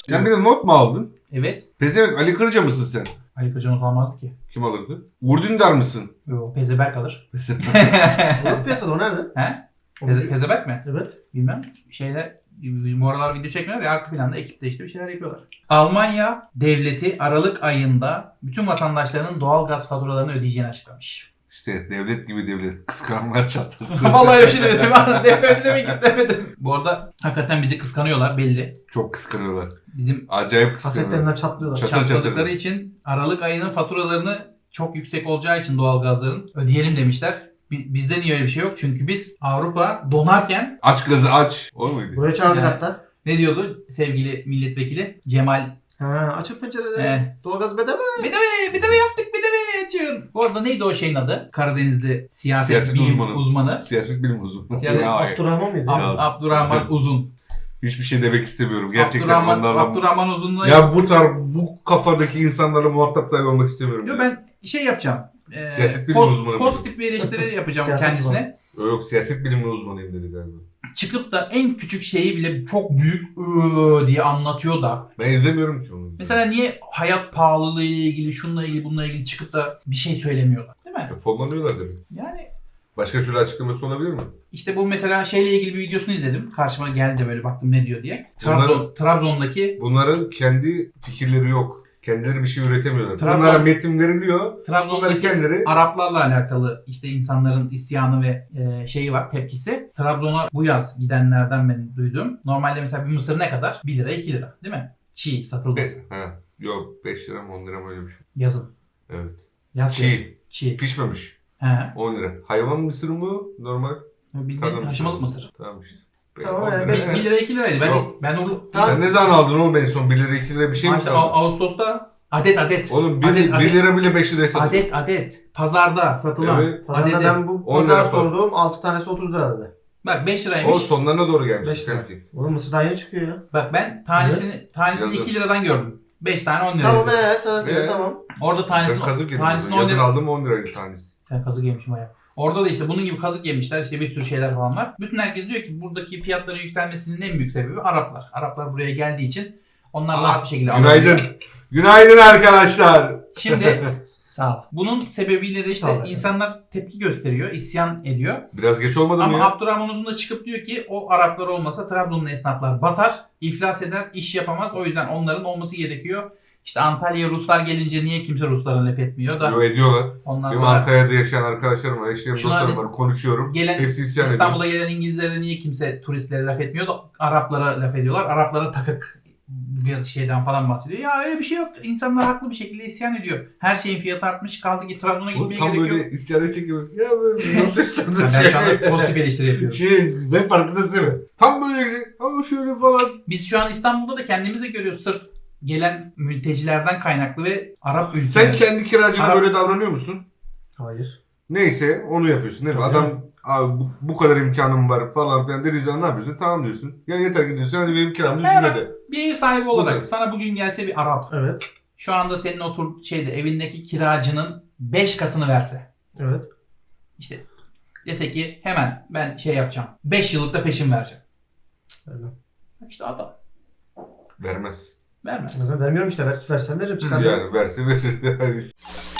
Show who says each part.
Speaker 1: Sen bir de not mu aldın?
Speaker 2: Evet.
Speaker 1: Pezevenk Ali Kırca mısın sen?
Speaker 2: Ali Kırca'nın kalmazdı ki.
Speaker 1: Kim alırdı? Uğur Dündar mısın?
Speaker 2: Yo, Pezeberk alır.
Speaker 3: Yok piyasada o nerede?
Speaker 2: He?
Speaker 3: O
Speaker 2: Pezeberk mi?
Speaker 3: Evet.
Speaker 2: Bilmem. Bu aralar video çekmiyorlar ya, arka planda ekipte işte bir şeyler yapıyorlar. Almanya devleti Aralık ayında bütün vatandaşlarının doğalgaz faturalarını ödeyeceğini açıklamış.
Speaker 1: İşte devlet gibi devlet. Kıskananlar çatlasın.
Speaker 2: Vallahi öyle bir şey dedim. Öyle demek istemedim. Bu arada hakikaten bizi kıskanıyorlar belli.
Speaker 1: Çok kıskanıyorlar.
Speaker 2: Bizim
Speaker 1: Acayip kıskanıyorlar.
Speaker 3: Kasetlerinden çatlıyorlar.
Speaker 1: Çatır
Speaker 2: çatladıkları
Speaker 1: çatır.
Speaker 2: için Aralık ayının faturalarını çok yüksek olacağı için doğalgazların ödeyelim demişler. Bizde niye öyle bir şey yok? Çünkü biz Avrupa donarken
Speaker 1: Aç gazı aç. O muydu?
Speaker 3: Buraya çağırdık
Speaker 2: Yani.
Speaker 3: hatta.
Speaker 2: ne diyordu sevgili milletvekili Cemal?
Speaker 3: Ha, açık pencereleri.
Speaker 2: He.
Speaker 3: Doğalgaz bedava.
Speaker 2: Bir de yaptık açın. Bu arada neydi o şeyin adı? Karadenizli siyaset bilim uzmanı.
Speaker 1: Siyaset bilim uzmanı.
Speaker 2: Yani
Speaker 1: Ya,
Speaker 3: Abdurrahman mıydı?
Speaker 2: Abdurrahman Uzun.
Speaker 1: hiçbir şey demek istemiyorum. Gerçekten onlarla...
Speaker 2: Abdurrahman Uzun'la...
Speaker 1: Ya bu kafadaki insanlarla muhatap dahi olmak istemiyorum.
Speaker 2: Yo,
Speaker 1: ya.
Speaker 2: ben şey yapacağım.
Speaker 1: Siyaset bilimi uzmanı.
Speaker 2: Pozitif bir eleştiri yapacağım
Speaker 3: Siyaset
Speaker 2: kendisine.
Speaker 1: Yok siyaset bilimi uzmanıyım dedi galiba.
Speaker 2: Çıkıp da en küçük şeyi bile çok büyük diye anlatıyor da.
Speaker 1: Ben izlemiyorum ki onu.
Speaker 2: Mesela niye hayat pahalılığı ile ilgili, şununla ilgili, bununla ilgili çıkıp da bir şey söylemiyorlar, değil mi?
Speaker 1: Fonlanıyorlar demek.
Speaker 2: Yani
Speaker 1: Başka türlü açıklaması olabilir mi?
Speaker 2: işte bu mesela şeyle ilgili bir videosunu izledim. Karşıma geldi de böyle baktım ne diyor diye. Trabzon'daki
Speaker 1: Bunların kendi fikirleri yok. Kendileri bir şey üretemiyorlar.
Speaker 2: Trabzon-
Speaker 1: Bunlara metin veriliyor. Bunları
Speaker 2: Trabzon'daki
Speaker 1: kendileri...
Speaker 2: Araplarla alakalı işte insanların isyanı ve şeyi var, tepkisi. Trabzon'a bu yaz gidenlerden ben duydum. Normalde mesela bir mısır ne kadar? 1 lira 2 lira değil mi? Çiğ satılması.
Speaker 1: Yok 5 lira mı 10 lira mı öyle bir şey.
Speaker 2: Yazın.
Speaker 1: Evet.
Speaker 2: Yaz
Speaker 1: Çiğ.
Speaker 2: Çiğ.
Speaker 1: Pişmemiş.
Speaker 2: He.
Speaker 1: 10 lira. Hayvan mısır mı? Normal.
Speaker 2: Bildiğin
Speaker 1: Tarla
Speaker 2: haşımalık mısır.
Speaker 1: Tamam işte.
Speaker 3: Tamam,
Speaker 1: 10
Speaker 3: yani
Speaker 1: lira.
Speaker 2: 1 lira 2 liraydı.
Speaker 1: Yok.
Speaker 2: Ben onu...
Speaker 1: Sen ne zaman aldın oğlum en son 1 lira 2 lira bir şey mi
Speaker 2: işte
Speaker 1: aldın?
Speaker 2: Ağustos'ta adet.
Speaker 1: Oğlum 1
Speaker 2: Adet.
Speaker 1: lira bile 5 liraya satılıyor.
Speaker 2: Adet. Pazarda satılan.
Speaker 1: Evet.
Speaker 3: Pazarda
Speaker 2: Adedi.
Speaker 3: ben bu
Speaker 1: 10
Speaker 3: pazar
Speaker 1: lira falan.
Speaker 3: sorduğum 6 tanesi 30 lira dedi.
Speaker 2: Bak 5
Speaker 1: O
Speaker 2: liraymış.
Speaker 1: sonlarına doğru gelmiş.
Speaker 3: 5 lira.
Speaker 1: sanki.
Speaker 3: Oğlum mısır daha yeni çıkıyor ya.
Speaker 2: Bak ben tanesini
Speaker 1: Yazın.
Speaker 2: 2 liradan gördüm. 5 tane 10 lira.
Speaker 3: Tamam sana söyle tamam.
Speaker 2: Orada
Speaker 1: Ben
Speaker 2: tanesini
Speaker 1: kazık yedim.
Speaker 2: tanesini 10
Speaker 1: Yazın
Speaker 2: lira.
Speaker 1: aldım 10 liraydı tanesi.
Speaker 2: Ben kazık yemişim bayağı. Orada da işte bunun gibi kazık yemişler. İşte bir sürü şeyler falan var. Bütün herkes diyor ki buradaki fiyatların yükselmesinin en büyük sebebi Araplar. Araplar buraya geldiği için onlar rahat bir şekilde
Speaker 1: Günaydın.
Speaker 2: alabiliyor.
Speaker 1: Günaydın arkadaşlar.
Speaker 2: Şimdi sağ ol. Bunun sebebiyle de işte
Speaker 3: Sağ ol.
Speaker 2: insanlar tepki gösteriyor, isyan ediyor.
Speaker 1: Biraz geç olmadı mı
Speaker 2: Ama
Speaker 1: ya?
Speaker 2: Abdurrahman Uzun da çıkıp diyor ki o Araplar olmasa Trabzon'un esnaflar batar, iflas eder, iş yapamaz. O yüzden onların olması gerekiyor. İşte Antalya'ya Ruslar gelince niye kimse Ruslara laf etmiyor da
Speaker 1: Yo ediyorlar.
Speaker 2: ondan
Speaker 1: Benim
Speaker 2: sonra
Speaker 1: Antalya'da yaşayan arkadaşlarım var, eşlerim,
Speaker 2: Şuna
Speaker 1: dostlarım
Speaker 2: hani
Speaker 1: var, konuşuyorum.
Speaker 2: gelen
Speaker 1: Hepsi isyan ediyor.
Speaker 2: İstanbul'a gelen İngilizlere niye kimse turistlere laf etmiyor da Araplara laf ediyorlar. Araplara takık bir şeyden falan bahsediyor. Ya öyle bir şey yok. İnsanlar haklı bir şekilde isyan ediyor. Her şeyin fiyatı artmış. Kaldı ki Trabzon'a
Speaker 1: Bu
Speaker 2: gitmeye
Speaker 1: tam
Speaker 2: gerek
Speaker 1: böyle
Speaker 2: yok.
Speaker 1: isyana çekiyor. Ya böyle nasıl istedin?
Speaker 2: Ya ben şu anda pozitif eleştiri yapıyorum.
Speaker 1: Ben farkındasın değil mi? Tam böyle ama şöyle falan.
Speaker 2: Biz şu an İstanbul'da da kendimiz de görüyoruz. Sırf gelen mültecilerden kaynaklı ve Arap
Speaker 1: Sen
Speaker 2: ülkeler.
Speaker 1: kendi kiracına
Speaker 2: Arap-
Speaker 1: böyle davranıyor musun?
Speaker 3: Hayır.
Speaker 1: Neyse onu yapıyorsun değil mi?
Speaker 3: Tabii
Speaker 1: Adam abi bu kadar imkanım var falan filan dediği zaman ne yapıyorsun? Tamam diyorsun. Ya yeter ki diyorsun hadi benim kiramı düzgün
Speaker 2: Evet.
Speaker 1: öde.
Speaker 2: Bir ev sahibi olarak
Speaker 1: Burada.
Speaker 2: sana bugün gelse bir Arap.
Speaker 3: Evet.
Speaker 2: Şu anda senin evindeki kiracının 5 katını verse.
Speaker 3: Evet.
Speaker 2: İşte dese ki hemen ben şey yapacağım. 5 yıllık da peşin vereceğim.
Speaker 3: Öyle.
Speaker 2: İşte adam
Speaker 1: Vermez.
Speaker 2: vermez.
Speaker 3: Ben vermiyorum işte. Versem veririm çıkartırım.
Speaker 1: Yani verse verir.